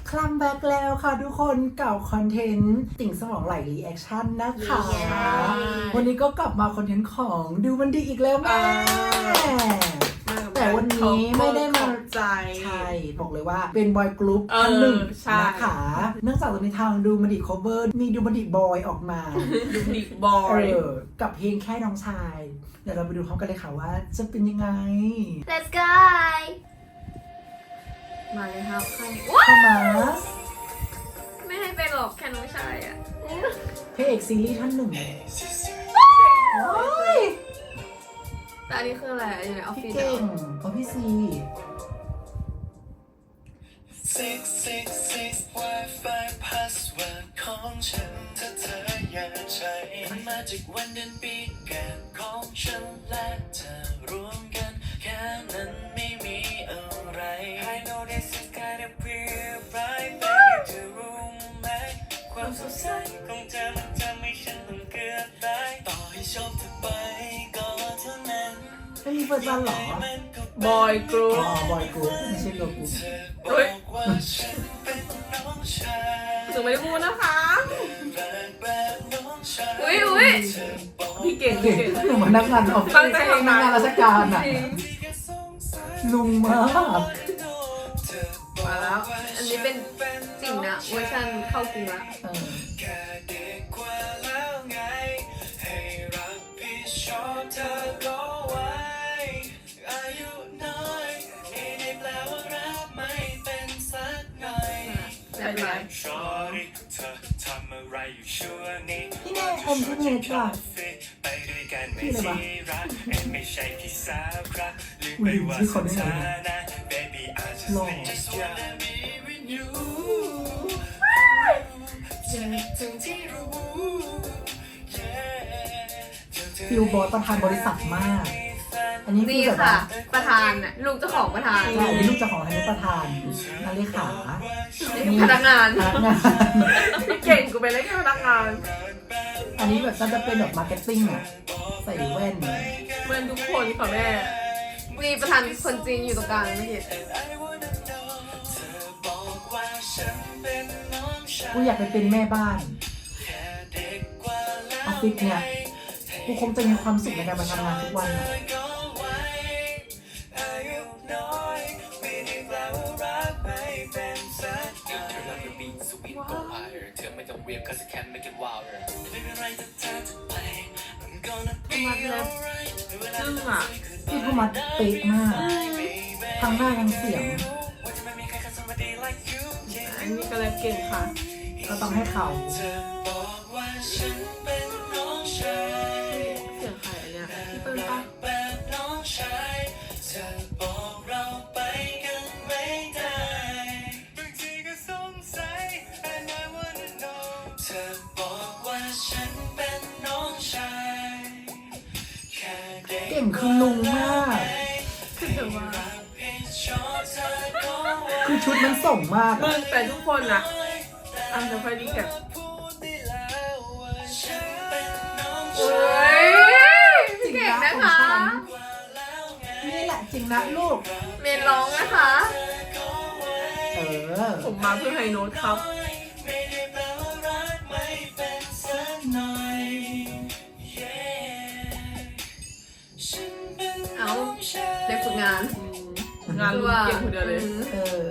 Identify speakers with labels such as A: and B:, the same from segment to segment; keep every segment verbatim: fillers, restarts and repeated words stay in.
A: คลัมแบ็กแล้วค่ะทุกคนเก่าคอนเทนต์ติ่งสมองไหลรีแอคชั่นนะคะ วันนี้ก็กลับมาคอนเทนต์ของดูมันดีอีกแล้วแม่แต่วันนี้ไม่ได้มาใจใช่บอกเลยว่าเป็นบอยกรุ๊ปท่านหนึ่งนะคะเนื่องจากตอนนี้ทางดูมันดี cover มีดูมันดีบอยออกมาดูมันดีบอยกับเพลงแค่น้องชายเดี๋ยวเราไปดูพร้อมกันเลยค่ะว่าจะเป็นยังไง
B: Let's go มาเลยครับใคร
A: เข้ามา
B: ไม่ให้เป็นหรอกแค่น้องชายอ่ะ
A: พระเอกซีรีส์ท่านหนึ่ง
B: แต่อันนี้คืออะไรอยู่ในออฟฟิศ
A: เก่งเพราะพี่ซี
C: ซิกซิกซิก Wi-Fi password ของฉันถ้าเธออยากใช้มาจากวันเดือนปีเกิดของฉันและเธอรวมกันแค่นั้นไม่มีอะไร I know this is kind of weird right baby เธอรู้ไหมความสดใสของเธอมันทำให้ฉันต้องเกือบตายต่อให้ชอบเธอไปก็เท่านั้น
A: ไม่มีเฟิร์สวันหร
B: อบอยกรุ๊ป
A: อ๋อบอยกรุ๊ปไม่ใช่โลกุ๊ป
B: เฮ้ยถึงไม่ได้พูดนะคะอุ้ยอุ้ยพี่เก่งพี่เก่ง
A: หนูมานักงานออฟฟิศนักงานราชการอ่ะลุงมาก
B: มาแล้วอันนี้เป็นจริงนะเวอร์ชันเข้ากรุงละ
A: พี่แน่อมพี่เนทว่ะพี่อะไรวะอุ้ยชื่อเขาได้ไงหล่อฟิลบอสประธานบริษัทมากอันนี้คือแบบว่า
B: ประธานน่ะลูกเจ้าของประธาน
A: ใช่อันนี้ลูกเจ้าของอันนี้ประธานนาเลขา
B: พนักงาน
A: พนักงาน
B: เก่งกูเป็นเลยแค่พนักงาน
A: อันนี้แบบจะเป็นแบบมาร์เก็ตติ้งอ่ะใส่แว่น
B: เหมือนทุกคนค่ะแม่มีประธานคนจริงอยู่ตรงกลางไม่เห็น
A: กูอยากไปเป็นแม่บ้านออฟฟิศเนี่ยกูคงจะมีความสุขในการมาทำงานทุกวันนะ
B: มัดเล็บซึ่งอ่ะ
A: พี่เขามัดเป๊ะมากทั้งหน้าทั้งเสียง
B: อันนี้ก็เลยเก่งค่ะ
A: ก็ต้องให้เขา
B: เสียงใครอันเนี้ยพี่เปิ้ลปะ
A: เก่งคือลุงมาก
B: คือว่า
A: คือชุดมันส่งมาก
B: มึงแต่ทุกคนนะอันจะค่อยดีแค่โอ้ย
A: จริงนะนะคะนี่แหละจริงนะลูก
B: เมนร้องนะคะ
A: เออ
B: ผมมาเพื่อไฮโน้ตครับเอาเด็กฝึกงานงานเก่งคนเดียวเลย
A: เออ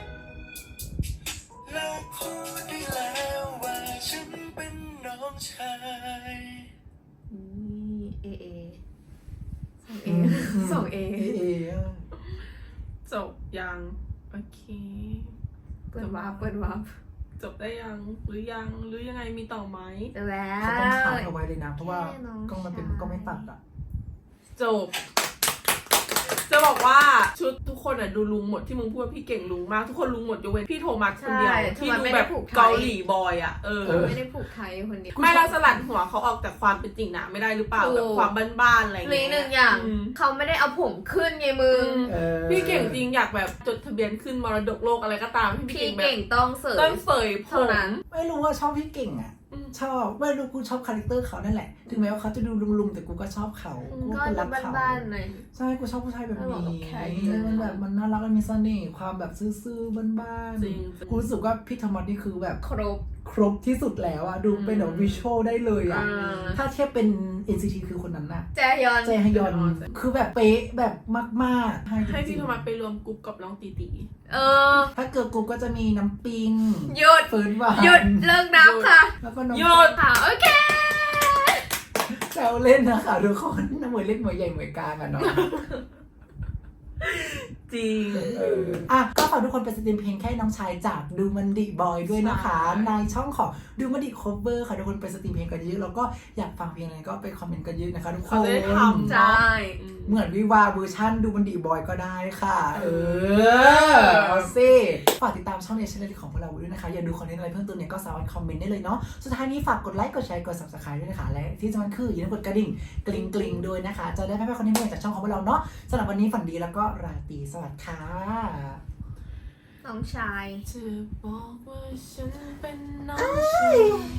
B: เอเอสองเอจบยังโอเคเปิดวาร์ปเปิดวาร์ปจบได้ยังหรือยังหรือยังไงมีต่อไหม
A: จบแล้วจะต้องขายเอาไว้เลยนะเพราะว่ากล้องมันเป็นกล้องไม่ตัดอ่ะ
B: จบจะบอกว่าชุดทุกคนอ่ะดูลุงหมดที่มึงพูดว่าพี่เก่งลุงมากทุกคนลุงหมดยกเว้นพี่โทมัสคนเดียวที่ดูแบบเกาหลีบอยอ่ะเออไม่ได้ผูกไทยคนเดียวไม่เราสลัดหัวเขาออกจากความเป็นจริงนะไม่ได้หรือเปล่าแบบความบ้านๆอะไรอย่างเงี้ยหนึ่งอย่างเขาไม่ได้เอาผมขึ้นไงมึงพี่เก่งจริงอยากแบบจดทะเบียนขึ้นมรดกโลกอะไรก็ตามพี่เก่งแบบต้องเสยต้องเสยผม
A: ไม่รู้ว่าชอบพี่เก่งอ่ะชอบไม่รู้กูชอบคาแรคเตอร์เขานั่นแหละถึงแม้ว่าเขาจะดูลุงๆแต่กูก็ชอบเขากู
B: ก็
A: ก็
B: ดู
A: รักเขา
B: บ้านๆหน่อย
A: ใช่กูชอบผู้ชายแบบ
B: เออ
A: นี้
B: แบบแข็ง
A: มันแบบมันน่ารักมันมีเสน่ห์ความแบบซื่อๆบ้าน
B: จริง
A: ๆกูรู้สึกว่าพี่ธรรมะนี่คือแบบ
B: ครบ
A: ครบที่สุดแล้วอะดูเป็นแบบวิชวลได้เลยอะ
B: อ่า
A: ถ้าเทียบเป็น เอ็น ซี ที คือคนนั้นน่ะ
B: แจยอน
A: เจฮยอนคือแบบเป๊ะแบบมากๆ
B: ให้
A: จริ
B: พี่
A: ง
B: โทมัสไปรวมกลุ่มกับน้องตีตี
D: เออ
A: ๆถ้าเกิดกูก็จะมีน้ำปิง
D: หยุด
A: เฟิร์นหวาน
D: หยุดเลิกนับค่ะ
A: แล้วก็น้อง
B: หยุด
D: ค่ะโอเค
A: แซวเล่นนะคะทุกคนน้ำเหมือนเล็กเหมือนใหญ่เหมือนกลางอะเนาะ
B: จริง
A: เอออ่ะก็ฝากทุกคนไปสตรีมเพลงแค่น้องชายจากดูมันดิบอยด้วยนะคะ
B: ใช่
A: ในช่องของดูมันดิคฟเวอร์ค่ะทุกคนไปสตรีมเพลงกันเยอะแล้วก็อยากฟังเพลงอะไรก็ไปคอมเมนต์กันเยอะนะคะทุกค
B: เขา
A: น
B: จะได้ทำ
D: ใช่
B: อืม
A: เหมือนวิวาเวอร์ชันดูมันดิบอยก็ได้ค่ะ เออเอาสิฝากติดตามช่องเนชั่นแนลของพวกเราด้วยนะคะ อยากดูคอนเทนต์อะไรเพิ่มเติมเนี่ยก็สามารถคอมเมนต์ได้เลยเนาะสุดท้ายนี้ฝากกดไลค์กดแชร์กด ซับสไครบ์ ด้วยนะคะและที่สำคัญคืออย่าลืมกดกระดิ่งกริ๊งกริ๊งด้วยนะคะจะได้ไม่พลาดคอนเทนต์ใหม่จากช่องของพวกเราเนาะสำหรับวันนี้ฝันดีแล้วก็ราตรีสวัสดิ์ค่ะ
D: น้องชาย
B: จะบอกว่าฉันเป็นน้องชาย